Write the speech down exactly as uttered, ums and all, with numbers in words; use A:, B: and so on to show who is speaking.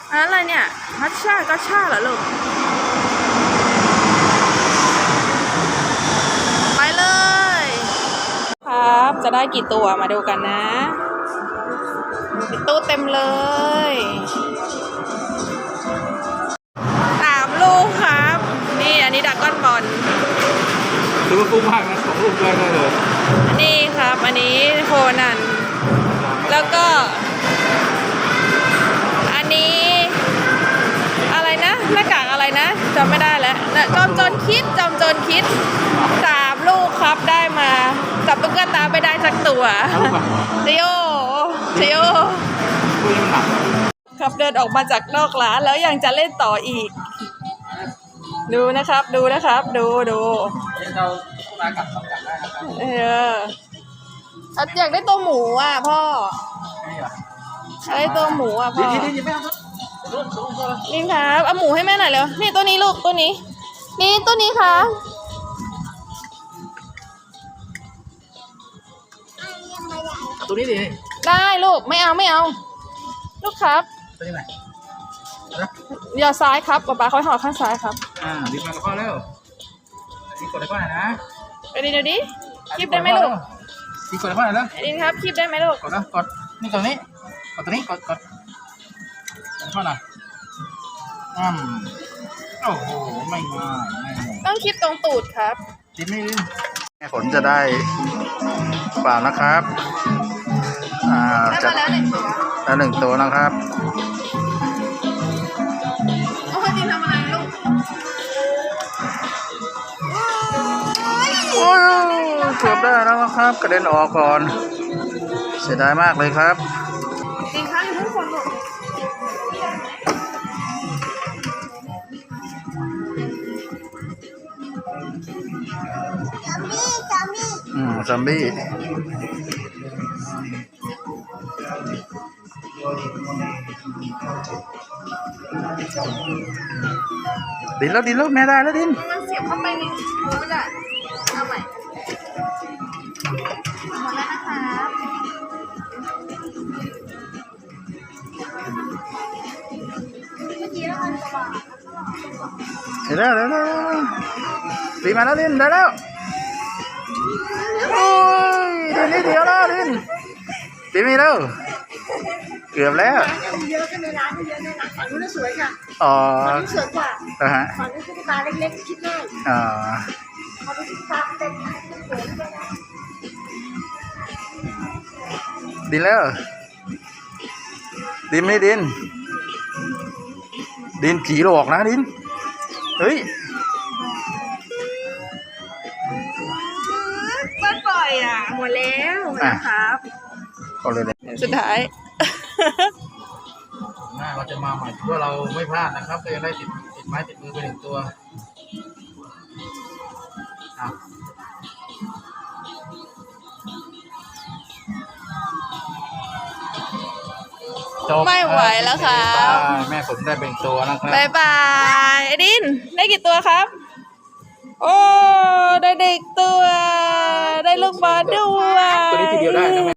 A: อะไรเนี่ยฮัชชาก็ชาเหรอลูกไปเลยครับจะได้กี่ตัวมาดูกันนะตู้เต็มเลยสามลูกครับนี่อันนี้ดราก้อนบอล
B: ถือว่าคุ้มมากนะสองลูกแรกได้เลย
A: นี่ครับอันนี้โคนันแล้วก็อันนี้อะไรนะหน้ากากอะไรนะจำไม่ได้แล้วจอมโจรคิดจอมโจรคิดสามลูกครับได้มาจับตุ๊กตาไม่ได้สักตัวเจีโอเจีโอครับเดินออกมาจากนอกร้านแล้วยังจะเล่นต่ออีกดูนะครับดูนะครับดูดู
B: เรามากับต้องกับได้นะครับ
A: เอออยากได้ตัวหมูอ่ะพ่ออะไรตัวหมูอ่ะพ่อ
B: นี่นี่ไม่เอา
A: นี่ครับเอาหมูให้แม่หน่อยเร็วนี่ตัวนี้ลูกตัวนี้นี่ตัวนี้ค่ะ
B: ตัวนี้ดิ
A: ได้ลูกไม่เอาไม่เอาลูกครับ
B: ตัวนี้ไหน
A: อย่าซ้ายครับป๊าป๊าเขาห่อข้างซ้ายครับ
B: อ่าดิบมากับพ่อเร็วดิบกดได้พ่อหน่อยนะ
A: ไปดิดูดิคลิปได้ไหมลูก
B: ดิบกดได้พ่อหน่อยแล้ว
A: ดิครับคลิปได้ไหมลูก
B: กดนะกดนี่กดนี้กดตัวนี้กดกดพ่อหน่อยอืมโอ้โหไม่ง่ายไม่ง่าย
A: ต้องคลิปตรงตูดครับ
B: คลิปนี้แม่ฝนจะได้เปล่านะครับอ่า
A: จะแล้วหนึ่งตัว
B: แล้วหนึ่งตัวนะครับ
A: โอ้ยดินทำอะไรลูก
B: โอ้ยเกือบได้แล้วนะครับกระเด็นออกก่อนเสียดายมากเลยครับ
A: ดินค้างอยู่ทุกคนลูก
B: อืมซอมบี้ดินแล้วดินแล้วแม่ได้แล้วดิน
A: มันเสียบเข้าไปในหูไม่ได้เอาใหม่หมดแล้วนะครับเมื่อกี้แล้วมันจะบอก
B: เดี๋ยวเดี๋ยวเดี๋ยวตีมาแล้วดินได้แล้วโอ้ยดินนี่เดียวแล้วดินตีมีแล้วเกือบแล้ว
C: เยอะกันในร้านเยอะในร้านฝั่งนู้นสวยค่ะ
B: อ๋อ
C: ฝั่งนู้นสวยกว่า
B: อ่าฮะ
C: ฝั่งนู้นตุ๊กตาเล็กๆคิดง่าย
B: อ๋อ
C: ฝั่งนู้นตุ๊กตาเป็นสวยด้วยนะ
B: ดินแล้วดินไม่ดินดินผีหลอกนะดินเฮ้ย
A: บ้านปล่อยอ่ะหมดแล้วนะครับ
B: ก็เลย
A: สุดท้าย
B: หน้าเราจะมาใหม่เพื่อเราไม่พลาดนะครับก็ยังได้ติดติดไม้ติดมือไปหนึ่งตัว
A: ไม่ไหวแล้วครับ
B: แม่ผมได้เป็นตัวนะครับ
A: บายบายไอ้ดินได้กี่ตัวครับโอ้ได้เด็กตัวได้ลูกบอลด้วย
B: ตัวนี้ทีเดียวได้นะ